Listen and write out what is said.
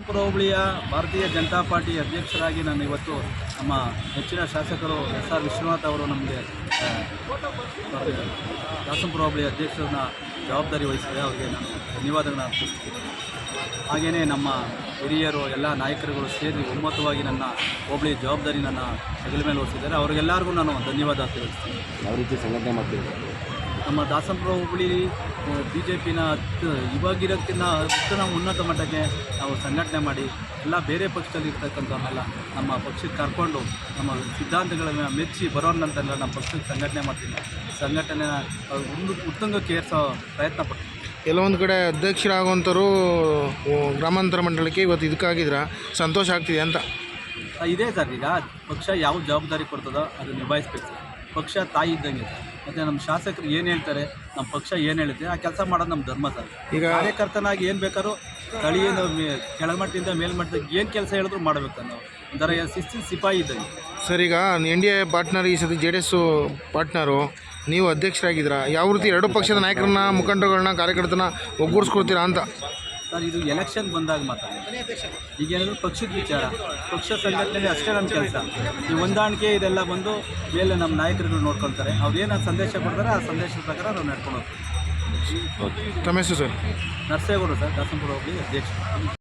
ದಾಸನಪುರ ಹೋಬಳಿಯ ಭಾರತೀಯ ಜನತಾ ಪಾರ್ಟಿ ಅಧ್ಯಕ್ಷರಾಗಿ ನಾನು ಇವತ್ತು ನಮ್ಮ ನೆಚ್ಚಿನ ಶಾಸಕರು ಎಸ್.ಆರ್. ವಿಶ್ವನಾಥ್ ಅವರು ನಮಗೆ ದಾಸನಪುರ ಹೋಬಳಿ ಅಧ್ಯಕ್ಷರನ್ನ ಜವಾಬ್ದಾರಿ ವಹಿಸಿದೆ. ಅವರಿಗೆ ನಾನು ಧನ್ಯವಾದಗಳನ್ನ ಅರ್ಪಿಸ್ತೀನಿ. ಹಾಗೆಯೇ ನಮ್ಮ ಹಿರಿಯರು ಎಲ್ಲ ನಾಯಕರುಗಳು ಸೇರಿ ಒಮ್ಮತವಾಗಿ ನನ್ನ ಹೋಬಳಿ ಜವಾಬ್ದಾರಿ ನನ್ನ ಹೆಗಲ ಮೇಲೆ ಹೊರಿಸಿದ್ದಾರೆ. ಅವರಿಗೆಲ್ಲರಿಗೂ ನಾನು ಧನ್ಯವಾದ ತಿಳಿಸ್ತೀನಿ. ಯಾವ ರೀತಿ ಸಂಘಟನೆ ಮಾಡ್ತೀವಿ? ನಮ್ಮ ದಾಸನಪುರ ಹೋಬಳಿ BJPನ ಇವಾಗಿರೋಕ್ಕಿಂತ ನಾವು ಉನ್ನತ ಮಟ್ಟಕ್ಕೆ ನಾವು ಸಂಘಟನೆ ಮಾಡಿ ಎಲ್ಲ ಬೇರೆ ಪಕ್ಷದಲ್ಲಿ ಇರ್ತಕ್ಕಂಥವ್ರನ್ನೆಲ್ಲ ನಮ್ಮ ಪಕ್ಷಕ್ಕೆ ಕರ್ಕೊಂಡು ನಮ್ಮ ಸಿದ್ಧಾಂತಗಳನ್ನು ಮೆಚ್ಚಿ ಬರೋರ್ನಂತೆಲ್ಲ ನಮ್ಮ ಪಕ್ಷಕ್ಕೆ ಸಂಘಟನೆ ಮಾಡ್ತೀನಿ. ಸಂಘಟನೆನ ಉತ್ತುಂಗಕ್ಕೆ ಏರಿಸೋ ಪ್ರಯತ್ನ ಪಡ್ತೀನಿ. ಕೆಲವೊಂದು ಕಡೆ ಅಧ್ಯಕ್ಷರಾಗುವಂಥವ್ರು ಗ್ರಾಮಾಂತರ ಮಂಡಲಕ್ಕೆ ಇವತ್ತು ಇದಕ್ಕಾಗಿದ್ರೆ ಸಂತೋಷ ಆಗ್ತಿದೆ ಅಂತ ಇದೇ ಸರ್. ಈಗ ಪಕ್ಷ ಯಾವ ಜವಾಬ್ದಾರಿ ಕೊಡ್ತದೋ ಅದು ನಿಭಾಯಿಸ್ಬೇಕು ಸರ್. ಪಕ್ಷ ತಾಯಿ ಇದ್ದಂಗೆ ಸರ್. ಮತ್ತು ನಮ್ಮ ಶಾಸಕರು ಏನು ಹೇಳ್ತಾರೆ, ನಮ್ಮ ಪಕ್ಷ ಏನು ಹೇಳುತ್ತೆ ಆ ಕೆಲಸ ಮಾಡೋದು ನಮ್ಮ ಧರ್ಮ ಸರ್. ಈಗ ಕಾರ್ಯಕರ್ತನಾಗಿ ಏನು ಬೇಕಾದ್ರೂ ಸ್ಥಳೀಯ ಕೆಳಮಟ್ಟದಿಂದ ಮೇಲ್ಮಟ್ಟದಾಗ ಏನು ಕೆಲಸ ಹೇಳಿದ್ರು ಮಾಡಬೇಕು ನಾವು. ಒಂಥರ ಶಿಸ್ತಿನ ಸಿಪಾಯಿ ಇದ್ದಂಗೆ ಸರ್. ಈಗ NDA ಪಾರ್ಟ್ನರ್, ಈ ಸತಿ JDS ಪಾರ್ಟ್ನರು, ನೀವು ಅಧ್ಯಕ್ಷರಾಗಿದ್ದೀರಾ. ಯಾವ ರೀತಿ ಎರಡು ಪಕ್ಷದ ನಾಯಕರನ್ನ, ಮುಖಂಡರುಗಳನ್ನ, ಕಾರ್ಯಕರ್ತನ ಒಗ್ಗೂಡಿಸ್ಕೊಡ್ತೀರಾ ಅಂತ ಸರ್? ಇದು ಎಲೆಕ್ಷನ್ ಬಂದಾಗ ಮಾತ್ರ. ಈಗೇನಾದರೂ ಪಕ್ಷದ ವಿಚಾರ, ಪಕ್ಷ ಸಂಘಟನೆ ಅಷ್ಟೇ ನಮ್ಮ ಕೆಲಸ. ಈ ಹೊಂದಾಣಿಕೆ ಇದೆಲ್ಲ ಬಂದು ಮೇಲೆ ನಮ್ಮ ನಾಯಕರುಗಳು ನೋಡ್ಕೊಳ್ತಾರೆ. ಅವ್ರು ಏನು ಸಂದೇಶ ಕೊಡ್ತಾರೆ ಆ ಸಂದೇಶದ ಪ್ರಕಾರ ನಾವು ನಡ್ಕೊಂಡು ಹೋಗ್ತೀವಿ. ತಮ್ಮ ಹೆಸರು ಸರ್? ನರಸೇಗೌಡರು ಸರ್, ದಾಸನಪುರ ಹೋಬಳಿ ಅಧ್ಯಕ್ಷರು.